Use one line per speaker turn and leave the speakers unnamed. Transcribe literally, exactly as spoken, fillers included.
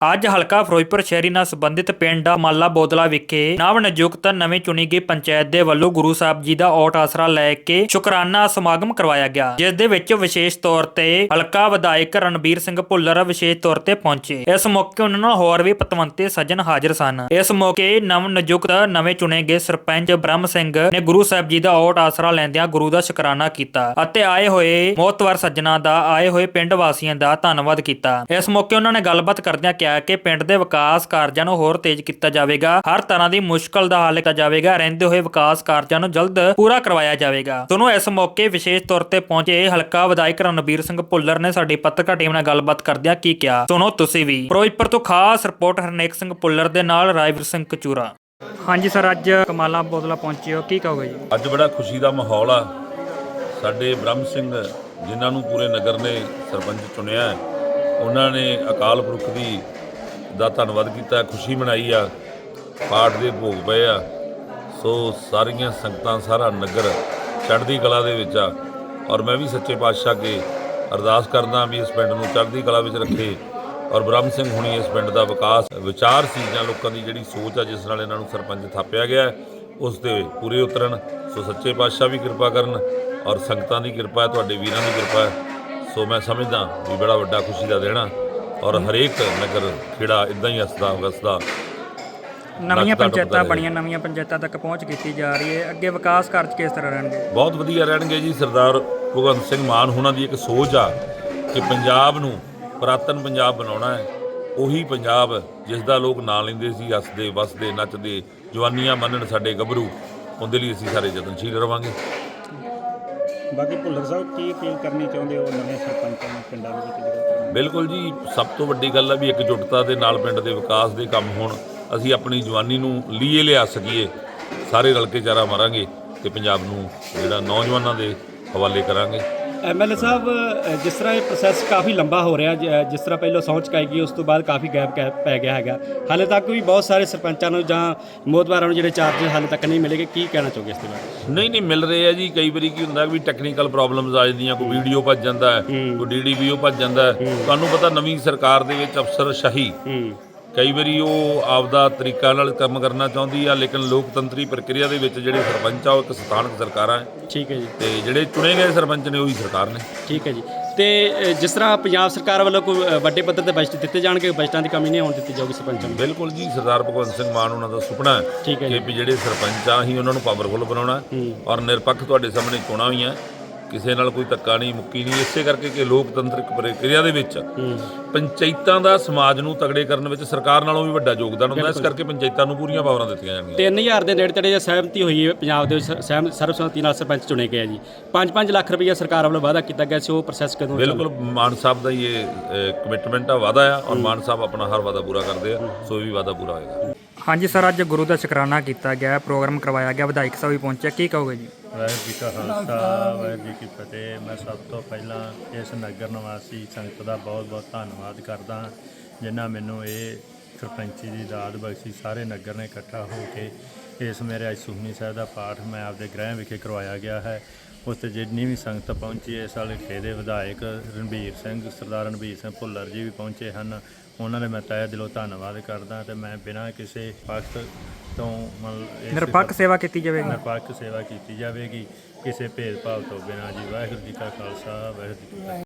ਅੱਜ ਹਲਕਾ ਫਿਰੋਜ਼ਪੁਰ ਸ਼ਹਿਰੀ ਨਾਲ ਸੰਬੰਧਿਤ ਪਿੰਡ ਮਾਲਾ ਬੋਦਲਾ ਵਿਖੇ ਨਵ ਨਿਯੁਕਤ ਨਵੀਂ ਚੁਣੀ ਗਈ ਪੰਚਾਇਤ ਦੇ ਵੱਲੋਂ ਗੁਰੂ ਸਾਹਿਬ ਜੀ ਦਾ ਓਟ ਆਸਰਾ ਲੈ ਕੇ ਸ਼ੁਕਰਾਨਾ ਸਮਾਗਮ ਕਰਵਾਇਆ ਗਿਆ, ਜਿਸ ਦੇ ਵਿੱਚ ਵਿਸ਼ੇਸ਼ ਤੌਰ ਤੇ ਹਲਕਾ ਵਿਧਾਇਕ ਰਣਬੀਰ ਸਿੰਘ ਭੁੱਲਰ ਵਿਸ਼ੇਸ਼ ਤੌਰ ਤੇ ਪਹੁੰਚੇ। ਇਸ ਮੌਕੇ ਉਹਨਾਂ ਨਾਲ ਹੋਰ ਵੀ ਪਤਵੰਤੇ ਸੱਜਣ ਹਾਜ਼ਰ ਸਨ। ਇਸ ਮੌਕੇ ਨਵ ਨਿਯੁਕਤ ਨਵੇਂ ਚੁਣੇ ਗਏ ਸਰਪੰਚ ਬ੍ਰਹਮ ਸਿੰਘ ਨੇ ਗੁਰੂ ਸਾਹਿਬ ਜੀ ਦਾ ਓਟ ਆਸਰਾ ਲੈਂਦਿਆਂ ਗੁਰੂ ਦਾ ਸ਼ੁਕਰਾਨਾ ਕੀਤਾ ਅਤੇ ਆਏ ਹੋਏ ਮੋਹਤਵਰ ਸੱਜਣਾ ਦਾ ਆਏ ਹੋਏ ਪਿੰਡ ਵਾਸੀਆਂ ਦਾ ਧੰਨਵਾਦ ਕੀਤਾ। ਇਸ ਮੌਕੇ ਉਹਨਾਂ ਨੇ ਗੱਲਬਾਤ ਕਰਦਿਆਂ ਕਿਹਾ ਕਿ ਪਿੰਡ ਦੇ ਵਿਕਾਸ ਕਾਰਜਾਂ ਨੂੰ ਹੋਰ ਤੇਜ਼ ਕੀਤਾ ਜਾਵੇਗਾ, ਹਰ ਤਰ੍ਹਾਂ ਦੀ ਮੁਸ਼ਕਲ ਦਾ ਹੱਲ ਕੀਤਾ ਜਾਵੇਗਾ, ਰਹਿੰਦੇ ਹੋਏ ਵਿਕਾਸ ਕਾਰਜਾਂ ਨੂੰ ਜਲਦ ਪੂਰਾ ਕਰਵਾਇਆ ਜਾਵੇਗਾ। ਤੁਹਾਨੂੰ ਇਸ ਮੌਕੇ ਵਿਸ਼ੇਸ਼ ਤੌਰ ਤੇ ਪਹੁੰਚੇ ਹਲਕਾ ਵਿਧਾਇਕ ਰਣਬੀਰ ਸਿੰਘ ਭੁੱਲਰ ਨੇ ਸਾਡੀ ਪੱਤਰਕਾਰ ਟੀਮ ਨਾਲ ਗੱਲਬਾਤ ਕਰਦਿਆਂ ਕੀ ਕਿਹਾ, ਸੁਣੋ ਤੁਸੀਂ ਵੀ। ਫਿਰੋਜ਼ਪੁਰ ਤੋਂ ਖਾਸ ਰਿਪੋਰਟ ਹਰਨੇਕ ਸਿੰਘ ਭੁੱਲਰ ਦੇ ਨਾਲ ਰਾਜਵੀਰ ਸਿੰਘ ਕਚੂਰਾ। ਹਾਂਜੀ ਸਰ, ਅੱਜ ਮਾਲਾ ਬੋਦਲਾ ਪਹੁੰਚੇ ਹੋ, ਕੀ ਕਹੋਗੇ ਜੀ?
ਅੱਜ ਬੜਾ ਖੁਸ਼ੀ ਦਾ ਮਾਹੌਲ ਆ। ਸਾਡੇ ਬ੍ਰਹਮ ਸਿੰਘ ਜਿਨ੍ਹਾਂ ਨੂੰ ਪੂਰੇ ਨਗਰ ਨੇ ਸਰਪੰਚ ਚੁਣਿਆ ਹੈ, ਉਹਨਾਂ ਨੇ ਅਕਾਲ ਪੁਰਖ ਦੀ ਦਾ ਧੰਨਵਾਦ ਕੀਤਾ, ਖੁਸ਼ੀ ਮਨਾਈ ਆ, ਪਾਠ ਦੇ ਭੋਗ ਪਏ ਆ। ਸੋ ਸਾਰੀਆਂ ਸੰਗਤਾਂ, ਸਾਰਾ ਨਗਰ ਚੜ੍ਹਦੀ ਕਲਾ ਦੇ ਵਿੱਚ ਆ। ਔਰ ਮੈਂ ਵੀ ਸੱਚੇ ਪਾਤਸ਼ਾਹ ਅੱਗੇ ਅਰਦਾਸ ਕਰਦਾ ਵੀ ਇਸ ਪਿੰਡ ਨੂੰ ਚੜ੍ਹਦੀ ਕਲਾ ਵਿੱਚ ਰੱਖੇ। ਔਰ ਬ੍ਰਹਮ ਸਿੰਘ ਹੁਣੀ ਇਸ ਪਿੰਡ ਦਾ ਵਿਕਾਸ ਵਿਚਾਰ ਸੀ ਜਾਂ ਲੋਕਾਂ ਦੀ ਜਿਹੜੀ ਸੋਚ ਆ ਜਿਸ ਨਾਲ ਇਹਨਾਂ ਨੂੰ ਸਰਪੰਚ ਥਾਪਿਆ ਗਿਆ, ਉਸ ਦੇ ਪੂਰੇ ਉਤਰਨ। ਸੋ ਸੱਚੇ ਪਾਤਸ਼ਾਹ ਵੀ ਕਿਰਪਾ ਕਰਨ ਔਰ ਸੰਗਤਾਂ ਦੀ ਕਿਰਪਾ ਹੈ, ਤੁਹਾਡੇ ਵੀਰਾਂ ਦੀ ਕਿਰਪਾ ਹੈ। ਸੋ ਮੈਂ ਸਮਝਦਾ ਵੀ ਬੜਾ ਵੱਡਾ ਖੁਸ਼ੀ ਦਾ ਦਿਨ ਆ ਔਰ ਹਰੇਕ ਨਗਰ ਖੇੜਾ ਇੱਦਾਂ ਹੀ ਹੱਸਦਾ ਵਸਦਾ।
ਨਵੀਆਂ ਪੰਚਾਇਤਾਂ ਬਣੀਆਂ, ਨਵੀਆਂ ਪੰਚਾਇਤਾਂ ਤੱਕ ਪਹੁੰਚ ਕੀਤੀ ਜਾ ਰਹੀ ਹੈ, ਅੱਗੇ ਵਿਕਾਸ ਕਾਰਜ ਕਿਸ ਤਰ੍ਹਾਂ ਰਹਿਣਗੇ?
ਬਹੁਤ ਵਧੀਆ ਰਹਿਣਗੇ ਜੀ। ਸਰਦਾਰ ਭਗਵੰਤ ਸਿੰਘ ਮਾਨ ਹੋਣਾ ਦੀ ਇੱਕ ਸੋਚ ਆ ਕਿ ਪੰਜਾਬ ਨੂੰ ਪੁਰਾਤਨ ਪੰਜਾਬ ਬਣਾਉਣਾ ਹੈ, ਉਹੀ ਪੰਜਾਬ ਜਿਸ ਦਾ ਲੋਕ ਨਾਂ ਲੈਂਦੇ ਸੀ, ਹੱਸਦੇ ਵਸਦੇ ਨੱਚਦੇ, ਜਵਾਨੀਆਂ ਮੰਨਣ ਸਾਡੇ ਗੱਭਰੂ। ਉਹਦੇ ਲਈ ਅਸੀਂ ਸਾਰੇ ਯਤਨਸ਼ੀਲ ਰਵਾਂਗੇ।
ਬਾਕੀ ਭੁੱਲਰ ਸਾਹਿਬ ਕੀ ਅਪੀਲ ਕਰਨੀ ਚਾਹੁੰਦੇ ਹੋ ਨਵੇਂ ਸਰਪੰਚਾਂ ਨੂੰ ਪਿੰਡਾਂ ਵਿੱਚ?
ਬਿਲਕੁਲ ਜੀ, ਸਭ ਤੋਂ ਵੱਡੀ ਗੱਲ ਹੈ ਵੀ ਇੱਕਜੁੱਟਤਾ ਦੇ ਨਾਲ ਪਿੰਡ ਦੇ ਵਿਕਾਸ ਦੇ ਕੰਮ ਹੋਣ। ਅਸੀਂ ਆਪਣੀ ਜਵਾਨੀ ਨੂੰ ਲੀਏ ਲਿਆ ਸਕੀਏ, ਸਾਰੇ ਰਲ ਕੇ ਚਾਰਾ ਮਾਰਾਂਗੇ ਤੇ ਪੰਜਾਬ ਨੂੰ ਜਿਹੜਾ ਨੌਜਵਾਨਾਂ ਦੇ ਹਵਾਲੇ ਕਰਾਂਗੇ।
ਐਮ ਐਲ ਏ ਸਾਹਿਬ, ਜਿਸ ਤਰ੍ਹਾਂ ਇਹ ਪ੍ਰੋਸੈਸ ਕਾਫੀ ਲੰਬਾ ਹੋ ਰਿਹਾ, ਜਿਸ ਤਰ੍ਹਾਂ ਪਹਿਲਾਂ ਸਹੁੰ ਚੁਕਾਈ ਗਈ, ਉਸ ਤੋਂ ਬਾਅਦ ਕਾਫੀ ਗੈਪ ਪੈ ਗਿਆ ਹੈਗਾ, ਹਾਲੇ ਤੱਕ ਵੀ ਬਹੁਤ ਸਾਰੇ ਸਰਪੰਚਾਂ ਨੂੰ ਜਾਂ ਮੋਹਤਬਾਰਾਂ ਨੂੰ ਜਿਹੜੇ ਚਾਰਜ ਹਾਲੇ ਤੱਕ ਨਹੀਂ ਮਿਲੇਗੇ, ਕੀ ਕਹਿਣਾ ਚਾਹੋਗੇ ਇਸ ਦੇ ਬਾਰੇ?
ਨਹੀਂ ਨਹੀਂ ਮਿਲ ਰਹੇ ਆ ਜੀ। ਕਈ ਵਾਰੀ ਕੀ ਹੁੰਦਾ ਵੀ ਟੈਕਨੀਕਲ ਪ੍ਰੋਬਲਮਸ ਆ ਜਾਂਦੀਆਂ, ਕੋਈ ਵੀਡੀਓ ਭੱਜ ਜਾਂਦਾ ਹੈ, ਕੋਈ ਡੀ ਡੀ ਵੀ ਓ ਭੱਜ ਜਾਂਦਾ ਹੈ। ਤੁਹਾਨੂੰ ਪਤਾ ਨਵੀਂ ਸਰਕਾਰ ਦੇ ਵਿੱਚ ਅਫਸਰ ਸ਼ਾਹੀ ਕਈ ਵਾਰੀ ਉਹ ਆਪਦਾ ਤਰੀਕਾ ਨਾਲ ਕੰਮ ਕਰਨਾ ਚਾਹੁੰਦੀ ਆ, ਲੇਕਿਨ ਲੋਕਤੰਤਰੀ ਪ੍ਰਕਿਰਿਆ ਦੇ ਵਿੱਚ ਜਿਹੜੇ ਸਰਪੰਚ ਆ ਉਹ ਇੱਕ ਸਥਾਨਕ ਸਰਕਾਰਾਂ ਹੈ।
ਠੀਕ ਹੈ ਜੀ।
ਤੇ ਜਿਹੜੇ ਚੁਣੇ ਗਏ ਸਰਪੰਚ ਨੇ ਉਹੀ ਸਰਕਾਰ ਨੇ।
ਠੀਕ ਹੈ ਜੀ। ਤੇ ਜਿਸ ਤਰ੍ਹਾਂ ਪੰਜਾਬ ਸਰਕਾਰ ਵੱਲੋਂ ਕੋਈ ਵੱਡੇ ਪੱਧਰ ਤੇ ਬਜਟ ਦਿੱਤੇ ਜਾਣਗੇ, ਬਜਟਾਂ ਦੀ ਕਮੀ ਨਹੀਂ ਹੋਣ ਦਿੱਤੀ ਜਾਊਗੀ ਸਰਪੰਚਾਂ ਨੂੰ?
ਬਿਲਕੁਲ ਜੀ, ਸਰਦਾਰ ਭਗਵੰਤ ਸਿੰਘ ਮਾਨ ਉਹਨਾਂ ਦਾ ਸੁਪਨਾ ਹੈ
ਠੀਕ ਹੈ
ਕਿ ਵੀ ਜਿਹੜੇ ਸਰਪੰਚ ਆ ਅਸੀਂ ਉਹਨਾਂ ਨੂੰ ਪਾਵਰਫੁਲ ਬਣਾਉਣਾ ਔਰ ਨਿਰਪੱਖ ਤੁਹਾਡੇ ਸਾਹਮਣੇ ਚੋਣਾਂ ਵੀ ਆ, ਕਿਸੇ ਨਾਲ ਕੋਈ ਧੱਕਾ ਨਹੀਂ, ਮੁੱਕੀ ਨਹੀਂ। ਇਸੇ ਕਰਕੇ ਕਿ ਲੋਕਤੰਤਰਿਕ ਪ੍ਰਕਿਰਿਆ ਦੇ ਵਿੱਚ ਪੰਚਾਇਤਾਂ ਦਾ ਸਮਾਜ ਨੂੰ ਤਗੜੇ ਕਰਨ ਵਿੱਚ ਸਰਕਾਰ ਨਾਲੋਂ ਵੀ ਵੱਡਾ ਯੋਗਦਾਨ ਹੁੰਦਾ। ਇਸ ਕਰਕੇ ਪੰਚਾਇਤਾਂ ਨੂੰ ਪੂਰੀਆਂ ਪਾਵਰਾਂ ਦਿੱਤੀਆਂ ਜਾਣਗੀਆਂ।
ਤਿੰਨ ਹਜ਼ਾਰ ਦੇ ਨੇੜੇ ਤੇੜੇ ਸਹਿਮਤੀ ਹੋਈ ਹੈ ਪੰਜਾਬ ਦੇ ਵਿੱਚ, ਸਹਿਮ ਸਰਬਸੰਮਤੀ ਨਾਲ ਸਰਪੰਚ ਚੁਣੇ ਗਏ ਜੀ। ਪੰਜ ਪੰਜ ਲੱਖ ਰੁਪਈਆ ਸਰਕਾਰ ਵੱਲੋਂ ਵਾਅਦਾ ਕੀਤਾ ਗਿਆ ਸੀ, ਉਹ ਪ੍ਰੋਸੈਸ ਕਦੋਂ?
ਬਿਲਕੁਲ ਮਾਨ ਸਾਹਿਬ ਦਾ ਹੀ ਇਹ ਕਮਿਟਮੈਂਟ ਆ, ਵਾਅਦਾ ਆ ਔਰ ਮਾਨ ਸਾਹਿਬ ਆਪਣਾ ਹਰ ਵਾਅਦਾ ਪੂਰਾ ਕਰਦੇ ਆ। ਸੋ ਇਹ ਵੀ ਵਾਅਦਾ ਪੂਰਾ ਹੋਏਗਾ।
ਹਾਂਜੀ ਸਰ, ਅੱਜ ਗੁਰੂ ਦਾ ਸ਼ੁਕਰਾਨਾ ਕੀਤਾ ਗਿਆ, ਪ੍ਰੋਗਰਾਮ ਕਰਵਾਇਆ ਗਿਆ, ਵਿਧਾਇਕ ਸਾਹਿਬ ਵੀ ਪਹੁੰਚੇ, ਕੀ ਕਹੋਗੇ ਜੀ?
ਵਾਹਿਗੁਰੂ ਜੀ ਕਾ ਖਾਲਸਾ, ਵਾਹਿਗੁਰੂ ਜੀ ਕੀ ਫਤਿਹ। ਮੈਂ ਸਭ ਤੋਂ ਪਹਿਲਾਂ ਇਸ ਨਗਰ ਨਿਵਾਸੀ ਸੰਗਤ ਦਾ ਬਹੁਤ ਬਹੁਤ ਧੰਨਵਾਦ ਕਰਦਾ ਹਾਂ, ਜਿਨ੍ਹਾਂ ਮੈਨੂੰ ਇਹ ਸਰਪੰਚੀ ਦੀ ਦਾਤ ਬਖਸ਼ੀ। ਸਾਰੇ ਨਗਰ ਨੇ ਇਕੱਠਾ ਹੋ ਕੇ ਇਸ ਮੇਰੇ ਅੱਜ ਸੁਖਮਨੀ ਸਾਹਿਬ ਦਾ ਪਾਠ ਮੈਂ ਆਪਦੇ ਗ੍ਰਹਿ ਵਿਖੇ ਕਰਵਾਇਆ ਗਿਆ ਹੈ। ਉਸ 'ਤੇ ਜਿੰਨੀ ਵੀ ਸੰਗਤ ਪਹੁੰਚੀ, ਇਸ ਹਲਕੇ ਦੇ ਵਿਧਾਇਕ ਰਣਬੀਰ ਸਿੰਘ, ਸਰਦਾਰ ਰਣਬੀਰ ਸਿੰਘ ਭੁੱਲਰ ਜੀ ਵੀ ਪਹੁੰਚੇ ਹਨ। ਉਹਨਾਂ ਦੇ ਮੈਂ ਤਹਿ ਦਿਲੋਂ ਧੰਨਵਾਦ ਕਰਦਾ ਤੇ ਮੈਂ ਬਿਨਾਂ ਕਿਸੇ ਪੱਖ ਤੋਂ ਮਤਲਬ
ਨਿਰਪੱਖ ਸੇਵਾ ਕੀਤੀ ਜਾਵੇਗੀ,
ਨਿਰਪੱਖ ਸੇਵਾ ਕੀਤੀ ਜਾਵੇਗੀ, ਕਿਸੇ ਭੇਦਭਾਵ ਤੋਂ ਬਿਨਾਂ ਜੀ। ਵਾਹਿਗੁਰੂ ਜੀ ਕਾ ਖਾਲਸਾ, ਵਾਹਿਗੁਰੂ ਜੀ ਕੀ ਫਤਿਹ।